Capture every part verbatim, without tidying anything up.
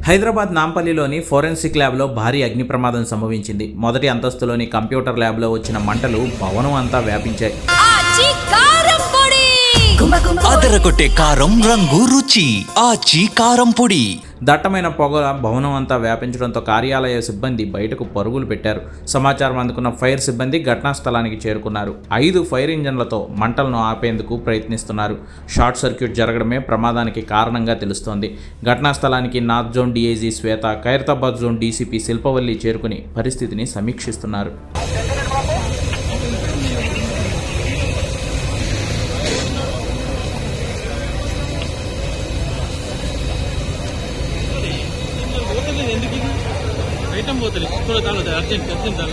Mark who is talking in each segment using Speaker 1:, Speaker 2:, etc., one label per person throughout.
Speaker 1: Hyderabad నాంపల్లిలోని forensic ల్యాబ్లో భారీ అగ్ని ప్రమాదం సంభవించింది. మొదటి అంతస్తులోని కంప్యూటర్ ల్యాబ్లో వచ్చిన మంటలు భవనం అంతా వ్యాపించాయి.
Speaker 2: అదరగొట్టే కారం రంగు రుచి ఆచి కారం పొడి.
Speaker 1: దట్టమైన పొగ భవనం అంతా వ్యాపించడంతో కార్యాలయ సిబ్బంది బయటకు పరుగులు పెట్టారు. సమాచారం అందుకున్న ఫైర్ సిబ్బంది ఘటనా స్థలానికి చేరుకున్నారు. ఐదు ఫైర్ ఇంజన్లతో మంటలను ఆపేందుకు ప్రయత్నిస్తున్నారు. షార్ట్ సర్క్యూట్ జరగడమే ప్రమాదానికి కారణంగా తెలుస్తోంది. ఘటనా స్థలానికి north zone DIG Shweta, Khairatabad zone DCP Shilpavalli చేరుకుని పరిస్థితిని సమీక్షిస్తున్నారు.
Speaker 3: ఐటమ్ పోతుంది అర్జెంట్ అర్జెంట్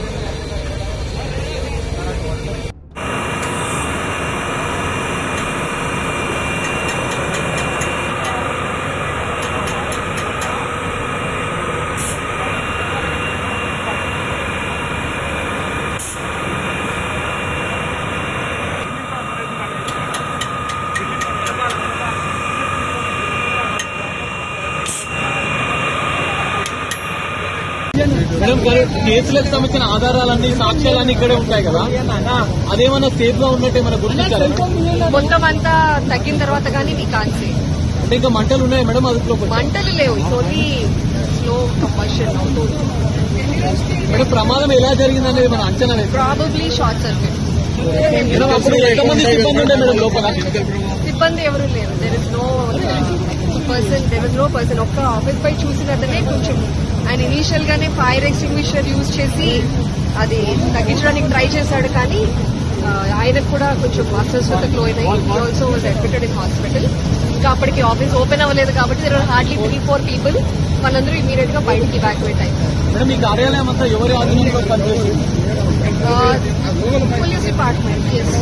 Speaker 3: మేడం కేసులకు సంబంధించిన ఆధారాలన్నీ సాక్ష్యాలన్నీ ఇక్కడే ఉంటాయి కదా, అదేమన్నా సేఫ్ గా ఉన్నట్టు ఏమైనా గుర్తించారా?
Speaker 4: మొత్తం అంతా తగ్గిన తర్వాత కానీ మీ కాన్సే
Speaker 3: అంటే ఇంకా మంటలు ఉన్నాయి మేడం? అదుపులో
Speaker 4: మంటలు లేవు, ఓన్లీ స్లో కంబషన్ అవుతుంది.
Speaker 3: మేడం ప్రమాదం ఎలా జరిగింది అనేది మన అంచనా
Speaker 4: ప్రాబబ్లీ షార్ట్ సర్క్యూట్.
Speaker 3: ఎంతమంది సిబ్బంది ఉండే మేడం లోపల?
Speaker 4: సిబ్బంది ఎవరు లేరు. There is no person there is no person ఒక్క ఆఫీస్ పై చూసినట్టనే కొంచెం ఆయన ఇనీషియల్ గానే ఫైర్ ఎక్స్టింగ్విషర్ యూజ్ చేసి అది తగ్గించడానికి ట్రై చేశాడు, కానీ ఆయనకు కూడా కొంచెం అస్వస్థతలు అయినాయి. Also was admitted in hospital. ఇంకా అప్పటికి ఆఫీస్ ఓపెన్ అవ్వలేదు కాబట్టి there are hardly three four people. వాళ్ళందరూ ఇమీడియట్ గా బయటికి ఇవాక్యువేట్ అయ్యారు.
Speaker 3: మేడం ఈ కార్యాలయం అంతా ఎవరి ఆధీనంలో పనిచేస్తుంది?
Speaker 4: Police department.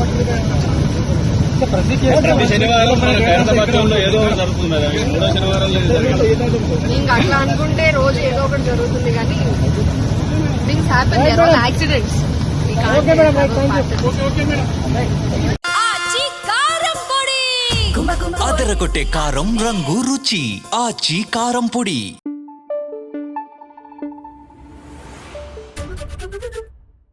Speaker 4: ఇంకా అట్లా అనుకుంటే రోజు ఏదో ఒకటి జరుగుతుంది, కానీ things happen, there are accidents.
Speaker 2: అదరగొట్టే కారం రంగు రుచి ఆచి కారం పొడి.